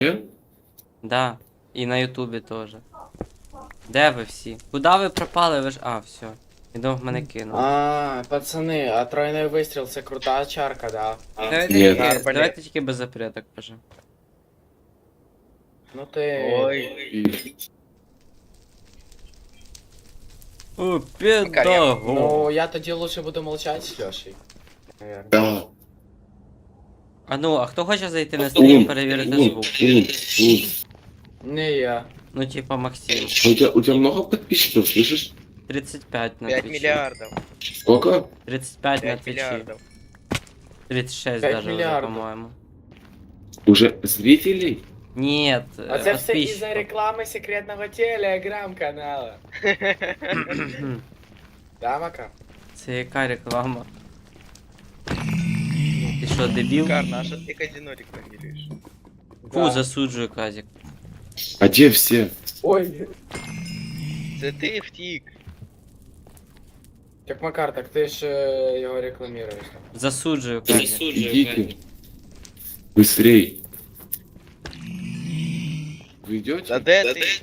Да. І на Ютубі теж. Де ви всі? Куда ви пропали? Ви ж. А, все. Іду в мене кинув. Пацани, а тройний вистріл це крута чарка, да? Давайте, Ні. давайте тільки без запреток, пожа. Ну ти... И- О, педаго. Ну, я тоді лучше буду молчать з Льошей. Наверно. Да. А ну, а хто хоче зайти на стрім, перевірити звук? Не я. Ну, типа Максим. У тебя много подписчиков, слышишь? 35 на 5 твичі. миллиардов. Сколько? 35 на 5 твичі. миллиардов. 36 5 даже уже, миллиардов. по-моему. Уже зрителей? Нет, А це все із-за подписчиков. реклами секретного телеграм-канала. Да, Мака? Це яка реклама? Ти що, дебіл? Карна, а что ты казино рекламируешь? Фу, засуджую, Казик. А где все? Ой. Це ти втік. Так, Макар, так ти ж його рекламуєш. Засуджую, Казик. Идите. Быстрей. Вы идете? Та де ти?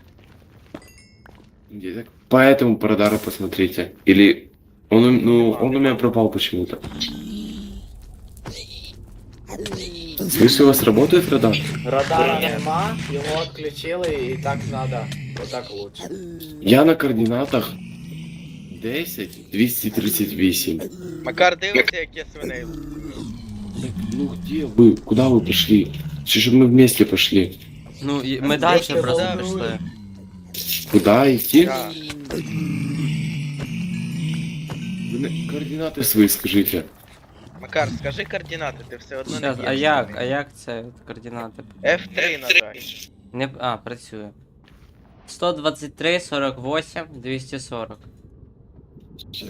Где? Так по этому по радару посмотрите. Или он, он у меня пропал почему-то. Слышь, у вас работает радар? Радара нема, його відключили і так надо. Отак лучше. Я на координатах 10 238. Макар, дивися, як я свиней. Так, ну где вы? Куда вы пошли? Что мы вместе пошли? Ну, ми далі Просто просто волнуюсь. пішли. Куда идти? Да. Вы координаты свои скажите. Макар, скажи координати, ти все одно не Щас, б'єш. а як це координати? F3 надай. Не, працює. 123, 48, 240. Сейчас.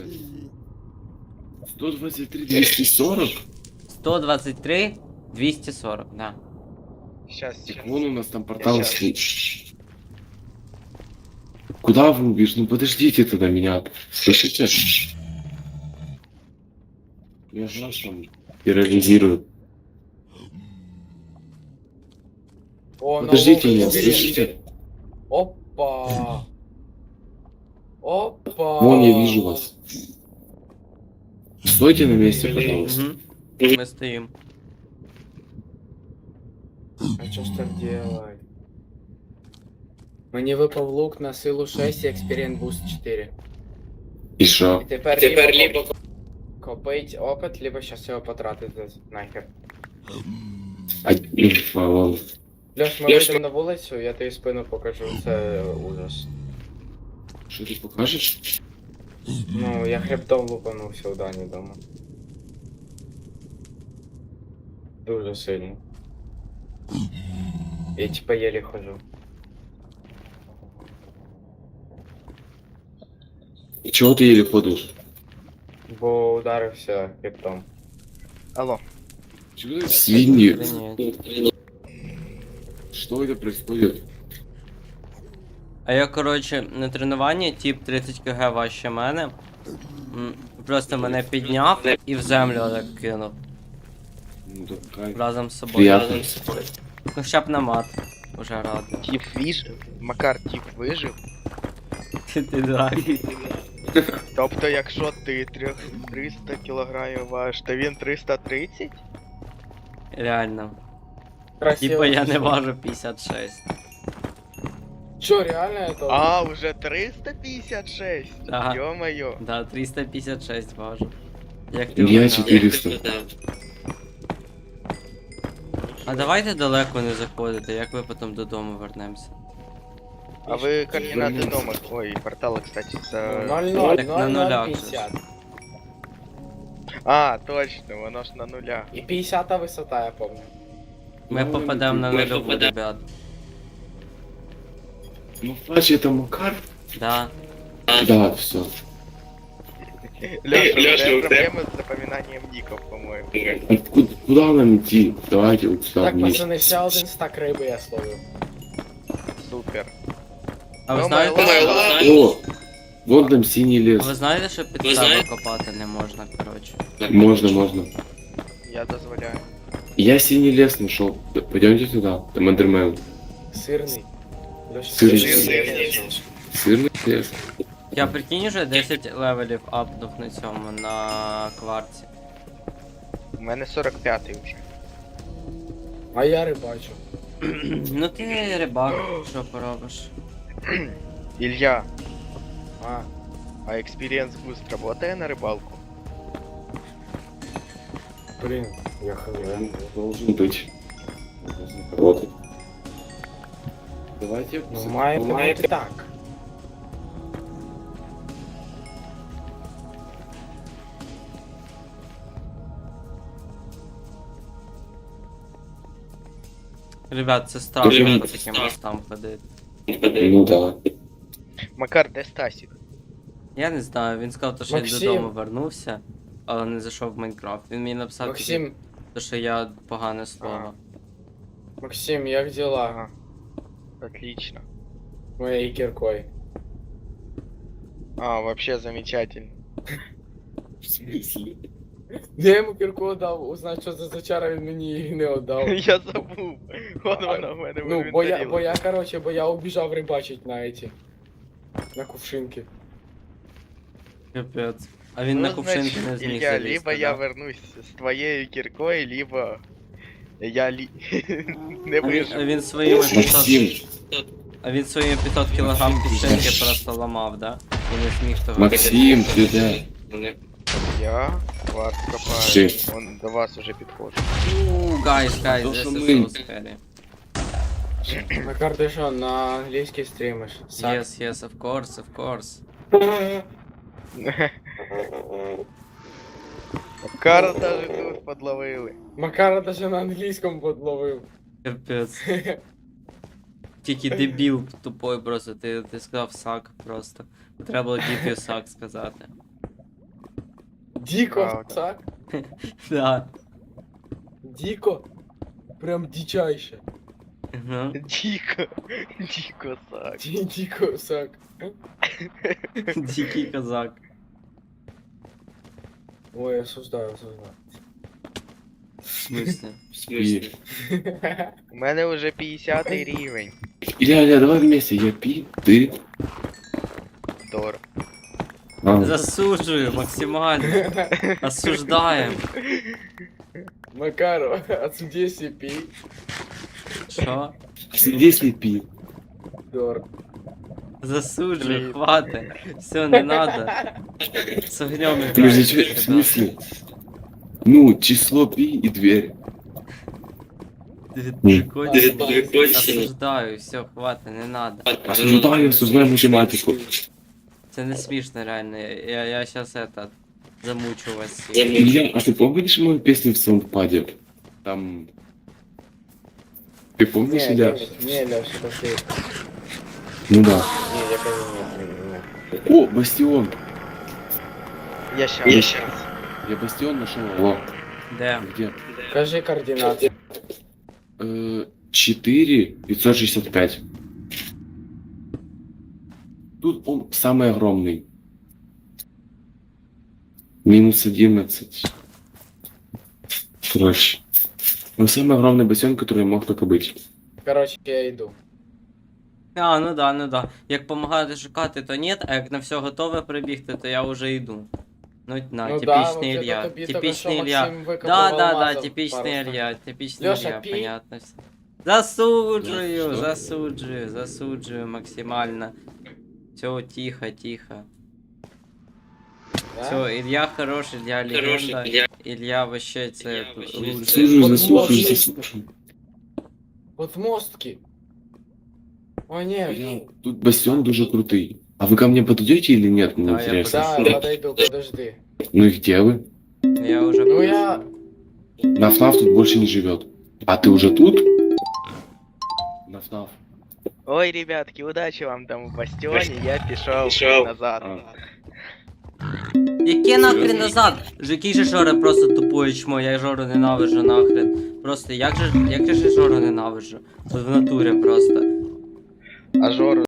123 240? 123, 240, да. Щас, Так вон у нас там портал Я стоит. Куда вы убежите? Ну подождите тогда меня. Слышите? Я же нас там терроризирую. О, Подождите нового меня, убери. слышите? Опа. Опа. Вон я вижу вас. Стойте на месте, пожалуйста. Угу. Ми стоїмо. А что ж так делать? Мені випав лук на силу 6 і Experience Boost 4. И шо? І тепер либо копить опит, либо щас його потратити нахер. Вон. Льош, ми вийдемо на вулицю, я тобі спину покажу, це ужас. Что ты покажешь? Ну, я хребтом лупанувся у Дані дома. Дуже сильно. Я типа еле хожу. И чего ты еле ходишь? Бо ударився хребтом. Алло. Чего ты свиньи? Охренеть. Что это происходит? А я, коротше, на тренуванні тип 30 кг важче мене. Просто мене підняв і в землю так кинув. Ну, такая Разом з собою. приятно. Ну, хоча б на мат. Уже радий. Тіп вижив. Макар, тіп вижив. Ти дурак. Тобто, якщо ти 300 кілограмів важиш, то він 330? Реально. Красиво. Типа я не пішло. важу 56. Чо, реально это? А, уже 356? Ага. Ё-моё. Да, 356 важу. Як ти Я вгадав? 400. А давайте далеко не заходити, як ви потім додому вернемося. А ви координати дома. Ой, портала, кстати, за... 0-0, Так на нулях 0-0-50. А, точно, воно ж на нулях. І 50 висота, я помню. Ми попадемо на нульову, ребят. Ну, значит, это Макар? Да. Да, все. Лёша, у тебя проблемы с запоминанием ников, по-моему. Куда нам идти? Давайте вот сюда Так, вниз. пацани, ще один стак риби я словив. Супер. А ви Ну, знаєте, О! Вон там синий а лес. ви знаєте, що під себе копати не можна, коротше. Можно, можно. Я дозволяю. Я синий лес нашел. Пойдемте туда. Там Эндермен. Сирний. Льоша, Сирний. сирний лес. Сырный лес. Я прикинь уже 10 левелів апнув на цьому, на кварці. У мене 45-й вже. А я рибачу. Ну ти рибак, що поробиш? Илья, А, а Experience Boost работает на рыбалку? блін, я хз. Должен быть. Должен работать. Давайте. Ну, має бути так. Ребят, це страшно Дуже по таким мостам ходити. Ну да. Макар, де Стасік? Я не знаю, він сказав, то, що Максим. я додому вернувся, але не зайшов в Майнкрафт. Він мені написав, Максим, то, що я погане слово. Максим, як діла? Ага. Отлично. Моєю кіркою. А, вообще замечательно. В смысле? Я йому кірку дав, узнать, що за зачара він мені її не віддав. Я забув. Вон вона в мене в Ну, інвентарі. бо я убіжав рибачить на эти. На кувшинки. Капець. А він на кувшинки не зміг Илья, залізти, либо я да? вернусь з твоєю кіркою, либо я не А виживу. він своїми 500, Максим. а він своїми 500 кілограм пішеньки просто ламав, да? І не зміг того. Максим, ты да. Я вас Ши. копаю. Он до вас уже підходжу. Guys, То, this що is ми- so scary. Макар, ти що, на англійський стрімиш? Yes, of course, of course. Макара даже тут подловили. Макара даже на англійському подловив. Капець. Тільки дебіл тупой просто, ти сказав сак просто. Треба було дітю сак сказати. Діко, Правда. сак? Да. Діко? Прям дичайше. Ага. Дико сак. Діко, сак. Дикий козак. Ой, осуждаю, осуждаю. В смысле? И... У мене вже 50 рівень. Илья, давай вместе. Я пи, ты. Дор. А. Засуджую максимально. Осуждаем. Макару, отсуди CP. Що? Здесь не пи. Дор. Засуджую, хватит. Все, не надо. С огнем Подожди, играть. в смысле? Ну, число пи и дверь. Осуждаю, все, хватит, не надо. Осуждаю математику. Це не смішно, реально. Я сейчас это замучу вас всіх. Илья, а ты помнишь мою песню в Саундпаде? Там... Ты помнишь, Илья? Не, Леша, пошли. Ну да. Не, я не. О, Бастион! Я щас. Я Бастион нашел. О, Де? где? Покажи координаты. 4 565. Тут он самый огромный. Минус 11. Короче. Он самый огромный бассейн, который мог только быть. Короче, я иду. А, ну да, ну да. Як помагати шукати, то ні, а як на все готове прибігти, то я вже йду. Ну, на, Ну да, типічний вообще-то Ілья. тобі тільки Типічний що Ілья. Максим викопав Да, алмазів типічний пару Ілья, типічний Льоша, Ілья, пі. понятно все. Засуджую, Що? засуджую максимально. Все, тихо, тихо. Да? Все, Илья хороший, Илья легенда. Илья вообще це лучший. Заслуживаю. Вот мостки. О, нет. Тут бастион дуже крутый. А вы ко мне подойдете или нет? Мне Да, я интересно. Да, подойду, подожди. Ну и где вы? Я уже Ну я... Нафнаф тут больше не живет. А ты уже тут? Нафнаф. Ой, ребятки, удачи вам там в бастіоні, я пішов назад. А. Яке нахрен назад? Який же Жора просто тупує чмо, я Жору ненавиджу нахрен. Просто як же Жору ненавиджу? От в натурі просто. А Жору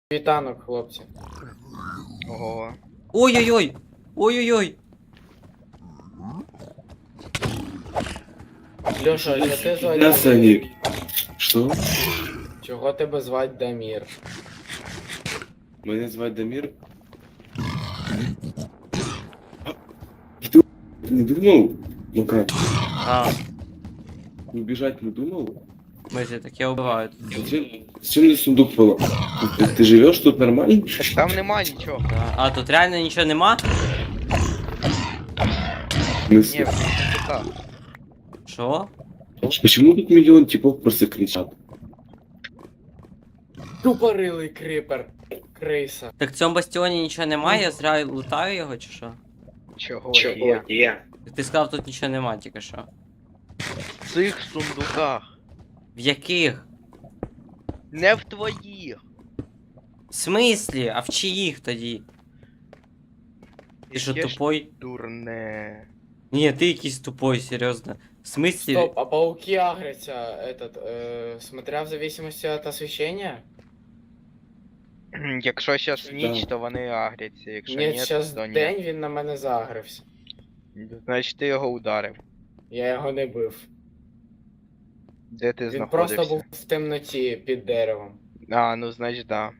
Світанок, хлопці. Ого. Ой-ой-ой! Ой-ой-ой! Льоша, а що ти звати? Да, Саня. Что? Чого тебе звати Дамір? Меня звать Дамир. Ты не думал? Ну как? А, Убежать не думал? мысли таке убивають. Зачем мне сундук было? Ты живешь тут нормально? Так там нема нічого. Да. А тут реально нічого нема? В Ні, смысле? в сундуках. Що? Почему тут миллион типов просто кричат? Тупорилий крипер. Криса. Так в цьому бастіоні нічого немає, я зря лутаю його чи що? Чого є? Ти сказав, тут нічого нема, тільки що. В цих сундуках. В яких? Не в твоїх. В смислі? А в чиїх тоді? Ти що Яке ж тупой? Дурне. Ні, ти якийсь тупой, серйозно. В смислі? Стоп, а пауки агрятся, смотря в зависимости от освещения? Якщо зараз ніч, Да. то вони агряться, якщо Ні, ні, зараз то ні. день він на мене загрився. Значить ти його ударив. Я його не бив. Де ти Він знаходився? просто був в темноті під деревом. А, ну значить да.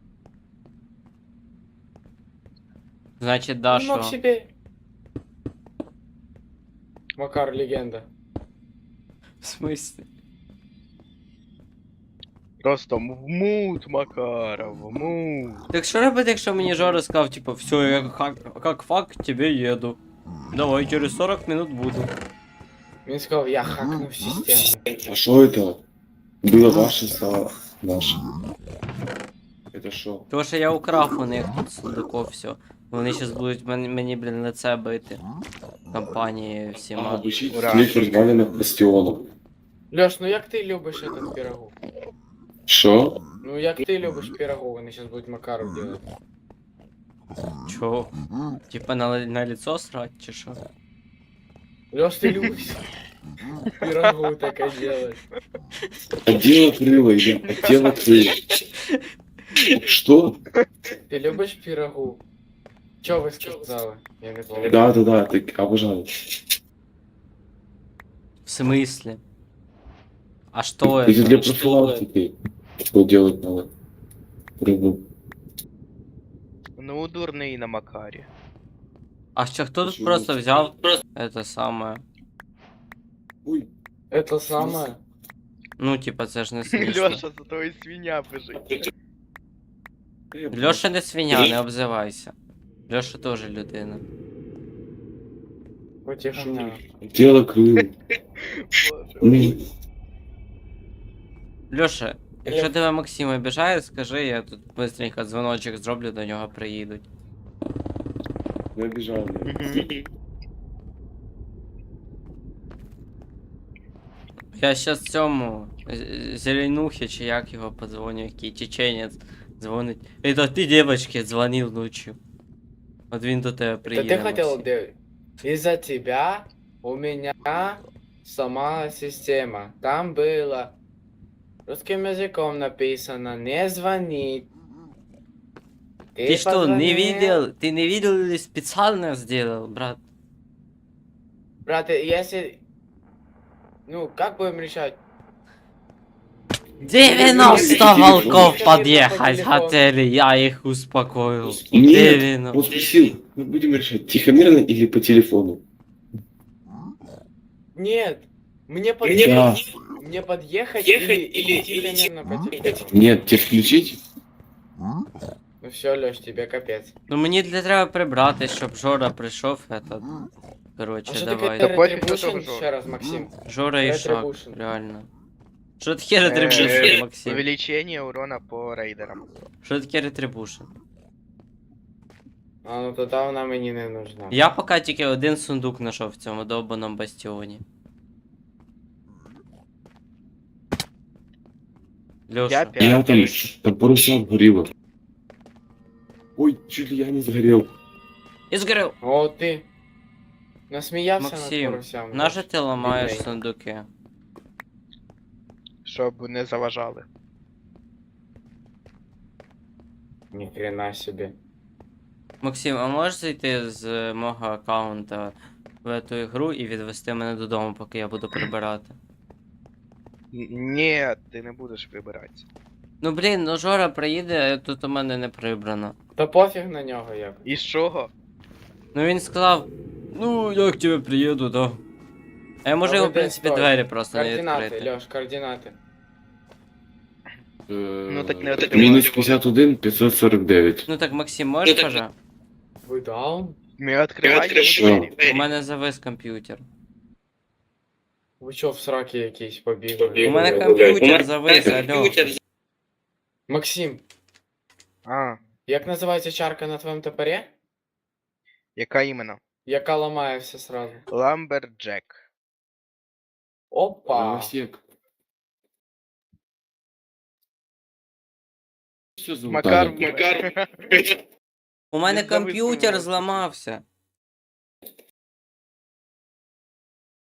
Значить, да, Він мог що? себе... Макар, легенда. В смислі? Просто в мут, Макаров, в мут. Так що робити, якщо мені Жора сказав, типу, все, я как факт тебе еду. Давай, через 40 минут буду. Він сказав, я хакнув систему. А что это? Было ваше, стало наше. Это что? Тому що я украв у них тут сундуков все. Вони зараз будуть мені, блін, лице бити. Компанії всіма. Обучить Ура. всех развалинах бастиона. Льош, ну як ти любиш этот пирогу? Что? Ну як ти любиш пирогу, вони зараз будуть Макару делать. Чо? Типа на лицо срать, чи що? Лёш, ты любишь пирогу так делать. Отдел крыло, или отдел крыло. Что? Ты любишь пирогу? Чё вы сказали? Я не помню. Да, так обожаю. В смысле? А что Это это? для профилактики. Что делать надо? Рыбу. Ну, дурний на Макарі. А що, хто тут Почему? просто взяв это самое? Ой, Это самое. Ну, типа, це ж не смішно. Льоша, за тобою свиня біжить. Льоша не свиня, не обзивайся. Льоша теж людина. Потихоня. дело крыло. Боже. Льоша, якщо тебе Максим обіжає, скажи, я тут быстренько дзвоночок зроблю, до нього приїдуть. Не обижал меня. Мгм. Я щас цьому Зеленухе, чи як його подзвоню, який чеченець дзвонить. Это ти девочке дзвонив ночью. От він до тебе Это приїде. ты хотел Максим. делать? Из-за тебя у меня сама система. Там было русским языком написано не звонить. Ты что, позвонил? не видел? Ты не видел или специально сделал, брат? Брат, если... Ну, как будем решать? 90 Телефон. волков Телефон. подъехать хотели, я их успокоил. Нет, 90. он спросил, мы будем решать, тихомирно или по телефону? Нет, мне Да. подъехать, мне подъехать или тихомирно по телефону. Нет, тебе включить? Ну все, Лёш, тебе капец. Ну мені для треба прибрати, щоб Жора прийшов, этот. А Короче, что давай. такое пофиг, Retribution? что тоже Еще раз, Максим. Жора і Шак, Retribution. реально. Що таке ретрибушн, Максим? Увеличение урона по рейдерам. Що таке ретрибушн? А ну тогда вона мені не нужна. Я поки тільки один сундук знайшов в цьому довбаному бастіоні. Я Льоша. п'ять. Я там паруса горело. Ой, чуть ли я не сгорел. І згорів! О, ти. Насміявся над Максим, поросям. наже ти ламаєш Бідний. сундуки? Щоб не заважали. Ніхрена собі. Максим, а можеш зайти з мого аккаунта в ту ігру і відвести мене додому, поки я буду прибирати? Ні, ти не будеш вибиратися. Ну блін, ну Жора приїде, а тут у мене не прибрано. Та пофіг на нього як. І з чого? Ну він сказав, ну як тебе приїду, да. А я можу А його, ви в де принципі, стоїте? двері просто не Координати, відкрити. Льош, координати. Ну так не от Мінус 51, 549. Ну так, Максим, можеш, пожа? Ви даун? Ми відкриваємо Що? двері. У мене завис комп'ютер. Ви чо в сраки якісь побігли? У мене комп'ютер завис, алло. Максим, А, як називається чарка на твоєму топорі? яка іменно? Яка ламає все сразу. Ламберджек. Опа! Новосек. Що за Макар, Віталій? Макар. У мене Він завис комп'ютер мене. зламався.